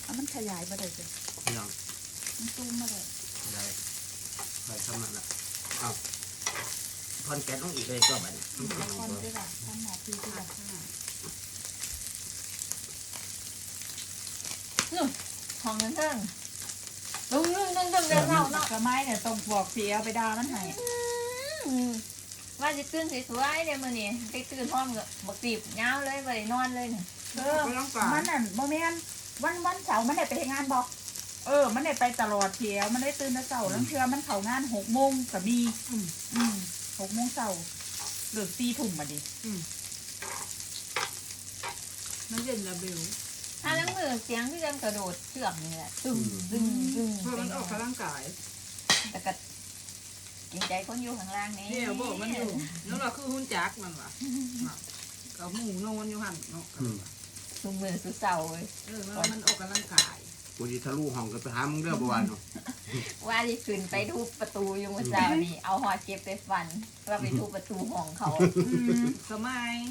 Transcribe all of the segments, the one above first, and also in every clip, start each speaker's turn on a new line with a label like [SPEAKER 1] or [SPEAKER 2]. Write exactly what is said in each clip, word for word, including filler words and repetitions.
[SPEAKER 1] เอามันขยายมาเลยจ้ะ
[SPEAKER 2] ยัง
[SPEAKER 1] มันซูมมาเลย
[SPEAKER 2] ได้ใส่ทำมันละเอาคอนแกนต้องอีกเลยก็แบบนี้
[SPEAKER 1] คอนด้วยล่ะทำหนาทีด้วยล่ะ
[SPEAKER 3] นู่นของเงินเพิ่งลุงลุงลุงลุงเดินเข้าเนาะ
[SPEAKER 1] กระไม้เนี่ยต้องบอกเสียไปดามันให้
[SPEAKER 3] ว่าจะตื่นสวยๆเดี๋ยวมื้อนี้ไปตื่นพร้อมกับบักตีบยาวเลยบ่ได้นอนเลยเนี่ย
[SPEAKER 1] เออมันนั่นโมเมนวันวันเสาร์มันได้ไปงานบอกเออมันได้ไปตลอดเที่ยวมันได้ตื่นแต่เสาร์แล้วเชื่อมันเข้างานหกโมงกับมีอืมอืมหกโมงเสาร์เลิกตีถุ่มมาดิอืมมันเย็นระเบล
[SPEAKER 3] ถ้าล้างมือเสียงที่จะกระโดดเชือกนี่แหละตึ้งตึ้งตึ้ง
[SPEAKER 1] เพราะมันออกกำลังกาย
[SPEAKER 3] แต่ก็เกรงใจคนอยู่ข้างล่างนี่
[SPEAKER 1] เดี๋ยวบอกมันอยู่นั่นแหละคือหุ้นจักมันว่ะกับหมูนอนอยู่หันเนาะ
[SPEAKER 3] สุมือสุเสาเลย
[SPEAKER 1] เออมันออกกำลังกาย
[SPEAKER 2] กูจะทะลุห้องกันไปหามึงเรื่องประวันเนาะ
[SPEAKER 3] ว่าที่ขึ้นไปทุบประตูอยู่เมื่อเช้านี่เอาหอเก็บไปฟันว่าไปทุบประตูห้องเขา
[SPEAKER 1] สมัย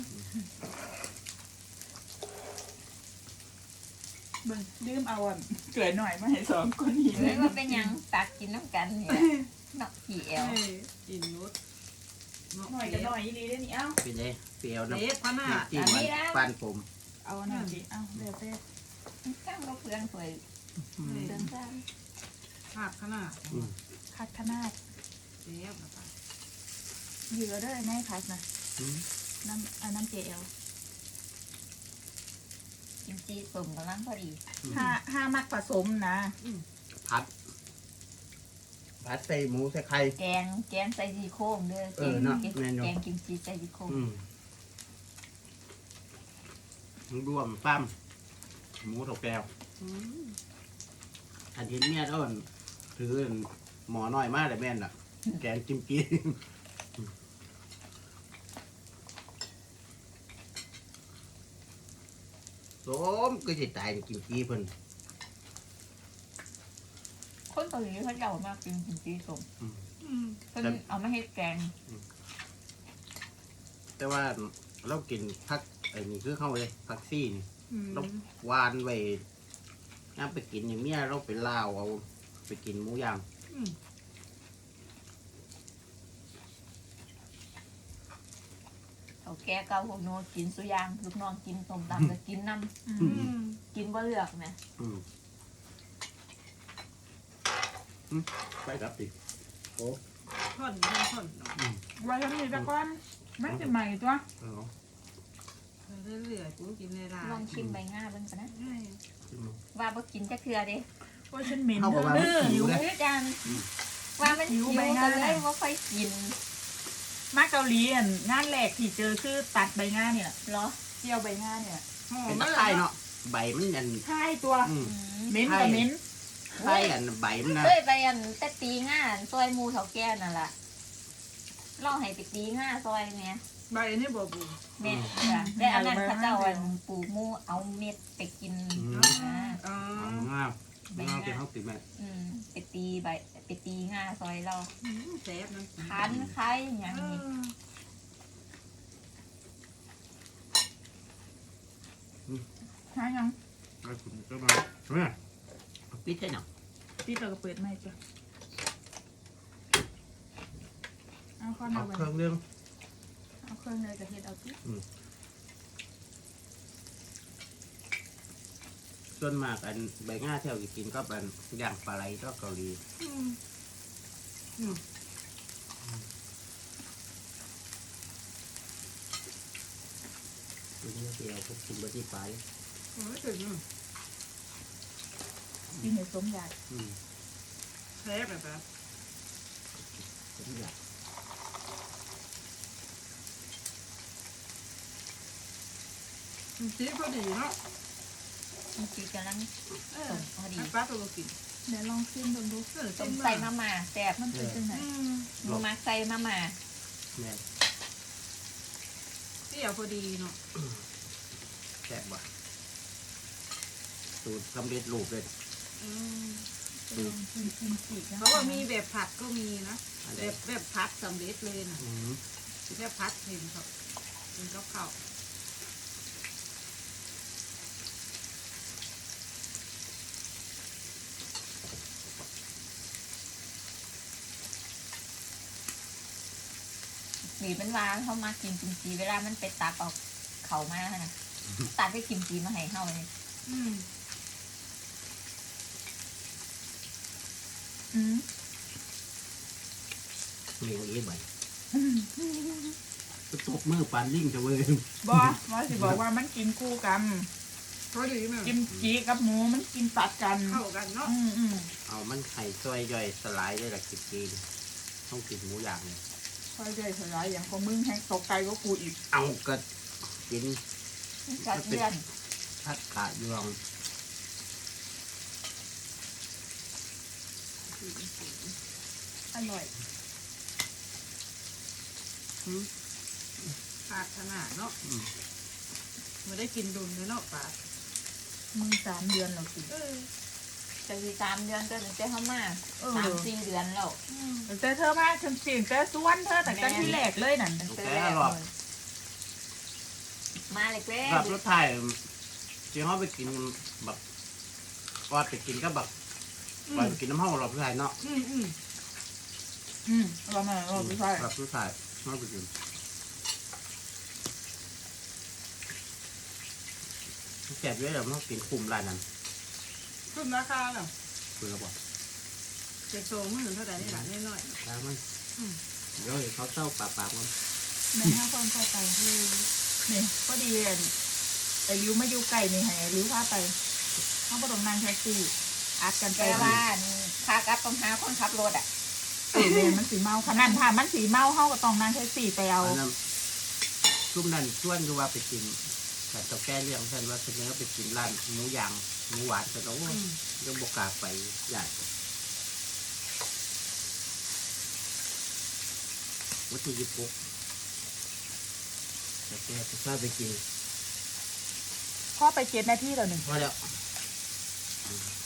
[SPEAKER 1] เบิ่งลืมเอาอ่ะเกลือหน่อยมาให้สองคนนี้
[SPEAKER 3] เลยว่าเป็นยังตักกินน้ำกันเนี่ยนักผีเอล
[SPEAKER 1] กินนุชหน่อยจะหน่อยดีได้นี่เอ้า
[SPEAKER 2] เป็นไงเปรี้ยวนะ
[SPEAKER 1] เล็ดพะหน้า
[SPEAKER 2] จีมันปานผม
[SPEAKER 1] เอาหน่อยดิเอ้าเร็วเต้
[SPEAKER 3] ข้างเราเพื่อนสวยเดินข้าง
[SPEAKER 1] ขาดขนาดขาดขนาดเจี๊ยบนะเหยื่อด้วยไหมคะนะน้ำอันน้ำเจล
[SPEAKER 3] กิมจิสมกำลังพอดี
[SPEAKER 1] ห้าห้ามักผสมนะ
[SPEAKER 2] ผัดผัดใส่หมูใส่ไข่
[SPEAKER 3] แกงแกงใส่ซีโครงเด้อแกงแกงกิมจิใส่ซีโครง
[SPEAKER 2] รวมปั้มหมูถกแก้วอันที่เนี่ยต้นถือหมอน้อยมากเลยแม่นอ่ะแกงกิมจิสมก็จะตายกิมจิเพิ่น
[SPEAKER 3] คนเกาหลีเขาเยาว์มากกินกิมจิสมเพิ่นเอามาให้แกง
[SPEAKER 2] แต่ว่าเรากินผักไอ้นี่คือเข้าเลยผักซี่นี่เราวานไว้น้ำไปกินอย่างเนี้ยเราไปลาวเอาไปกินหมูย่าง
[SPEAKER 3] เขาแก่เก่าพวกโน้กินสุยางลูกน้องกินต้มตำก็กินน้ำกินบ่เลือกไหม
[SPEAKER 2] ไปครับดิโอ้
[SPEAKER 1] ท่อนท่อนไว้ทำนี่ตะก้อนไม่จะใหม่ตัวเรื่อยๆกูกินในร้าน
[SPEAKER 3] ลองชิมใบง่าบ้างกันนะว่าบ่กินจะเคือเด้
[SPEAKER 1] ว่าฉันเหม็น
[SPEAKER 2] เ
[SPEAKER 1] อ
[SPEAKER 2] อหิว
[SPEAKER 3] จังว่ามันหิวไปเลยว่าค่อยกิน
[SPEAKER 1] มาเกาหลีอ่ะงานแรกที่เจอคือตัดใบง่าเนี่ย
[SPEAKER 3] เหรอ
[SPEAKER 1] เจียวใบง่าเนี่ย
[SPEAKER 2] เป็นตะไคร้เนาะใบมันยัน
[SPEAKER 1] ใช่ตัวเหม็นกับเหม็น
[SPEAKER 2] ใช่อันใบมันนะ
[SPEAKER 3] เฮ้ยใบอันแต่ตีง่าซอยมูเขาแก่นั่นแหละลองให้ไปตีง่าซอยเนี่ย
[SPEAKER 1] ใบนี่บ่บู
[SPEAKER 3] เม็ดได้อันนั้นเขาเจ้าอันปูมูเอาเม็ดไปกิน
[SPEAKER 2] อ๋อง่าง่าเป็นข้าวติดแม่
[SPEAKER 3] ไปตีใบไปตีง่าซอยเรา
[SPEAKER 1] แซ่บนะ
[SPEAKER 3] คันไข่อย่างนี้
[SPEAKER 1] หายัง
[SPEAKER 2] ไอ้คุณก็มาเฮ้ยปิดได้หนัง
[SPEAKER 1] ปิดเราก็เปิดไม่จ้ะเอาข้าว
[SPEAKER 2] เอาเครื่องเรื่อง
[SPEAKER 1] เอาเครื่องเลยจะเห็ดเอาที่
[SPEAKER 2] ส่วนมากอันใบง่าเที่ยวกินก็เป็นย่างปลาไหลก็เกาหลีตัวนี้เดียวพวกกินบะที่ปลาย
[SPEAKER 1] โอ้ยถึงกินเห็ดสมใหญ่แซ่บแบบนั้น
[SPEAKER 2] สมใหญ่
[SPEAKER 1] จีพอดีเนาะ
[SPEAKER 3] จีกำลังพอดี
[SPEAKER 1] ป้าตัวกินเดี๋ยวลองชิมดูดู
[SPEAKER 3] ต้มใส่มาม่าแซ่บมันเป็นยังไงมูมาใส่มาม่า
[SPEAKER 1] เที่ยวพอดีเนาะ
[SPEAKER 2] แซ่บว่ะสูตรสำเร็จรูปเลย
[SPEAKER 1] เพราะว่ามีแบบผัดก็มีนะแบบแบบผัดสำเร็จเลยนะแบบผัดเห็นเขาเป็นกับข้าว
[SPEAKER 3] หนีเป็นว่าเขามากินกิมจีเวลามันไปตักเอาเขามานะตักไปกิมจีมาให้เขาเลย
[SPEAKER 4] อืม
[SPEAKER 1] อืม
[SPEAKER 2] เลี้ยงเอ๋ใบก็ตบมือปานลิงจะเว้ย
[SPEAKER 1] บอว่าสิบอกว่ามันกินคู่กัน
[SPEAKER 4] เขาดีไหม
[SPEAKER 1] กิมจีกับหมูมันกินตัดกัน
[SPEAKER 4] เข้ากันเนาะ
[SPEAKER 1] อืมอืม
[SPEAKER 2] เอามันไข่ซอยย่อยสลายได้ละกินจีนต้องกินหมูย่างเนี่ย
[SPEAKER 1] ค่อยใจสลายอย่างของมึงแห้งตกไกลก็กูอีก
[SPEAKER 2] เอาก็กิน
[SPEAKER 3] กัดเลื่อน
[SPEAKER 2] ทัดขายวง
[SPEAKER 1] อร่อย
[SPEAKER 4] ขาดขนาดเนาะไม่ได้กินดุนเลยเนาะปลา
[SPEAKER 1] มึงสามเดือนแล้วสิ
[SPEAKER 4] เออ
[SPEAKER 3] จะมีสามเดือนก็ถึงจะเข้ามา
[SPEAKER 1] เออ
[SPEAKER 3] สามสี่เดือนแล้ว
[SPEAKER 1] แต่เธอมาฉันสิแต่ส่วนเธอแต่กันที่แรกเลยนั่น
[SPEAKER 3] ตั้งแต่แรกเลยมาเลยเว้ย
[SPEAKER 2] แบบรถไทยที่เขาไปกินแบบว่าไปกินก็แบบไปกินน้ำห้องเราผู้ชายเนาะ
[SPEAKER 4] อืมอืม
[SPEAKER 1] อืมเรามาเราไม่ใช่
[SPEAKER 2] แบบผู้ชายเขาไปกินแซ่บเยอะเลยมันกินคุมร้านนั้น
[SPEAKER 4] ขึ้นราคาเหรอ
[SPEAKER 2] คือเราบอก
[SPEAKER 4] เจ็ดโซมื่นเท่าไหร่นี่หละน้อย
[SPEAKER 2] ร้านมันเดี๋ยวเขาเต้าปากปากมัน
[SPEAKER 1] แม่ห้าคนเข้าไปคือนี่ก็ดีอ่ะไอ้ริ้วมาอยู่ไก่นี่ให้ไอ้ริ้วพาไปเขาประดงนางแท็กซี่อัดกันไป
[SPEAKER 3] แต่ว่าค่ากลับต้องหาคนขับรถอ่ะ
[SPEAKER 1] เออแม่มันสีเมาขนาดถ้ามันสีเมาเขาก็ต้องนางแท็กซี่ไปเอา
[SPEAKER 2] อันนั้นชุ่มนั่นชวนดูว่าไปกินแต่เจ้าแก้เรื่องท่านว่าเสนอไปกินร้านหมูย่างหมูหวานแต่เรา
[SPEAKER 4] ๆอืม
[SPEAKER 2] ยังบกล้าไปใหญ่วัตถุดิบปุ๊บแต่แกจะทราบไปกิน
[SPEAKER 1] พ่อไปเจ็ดนาทีแล้วหนึ่ง
[SPEAKER 2] พอแล้ว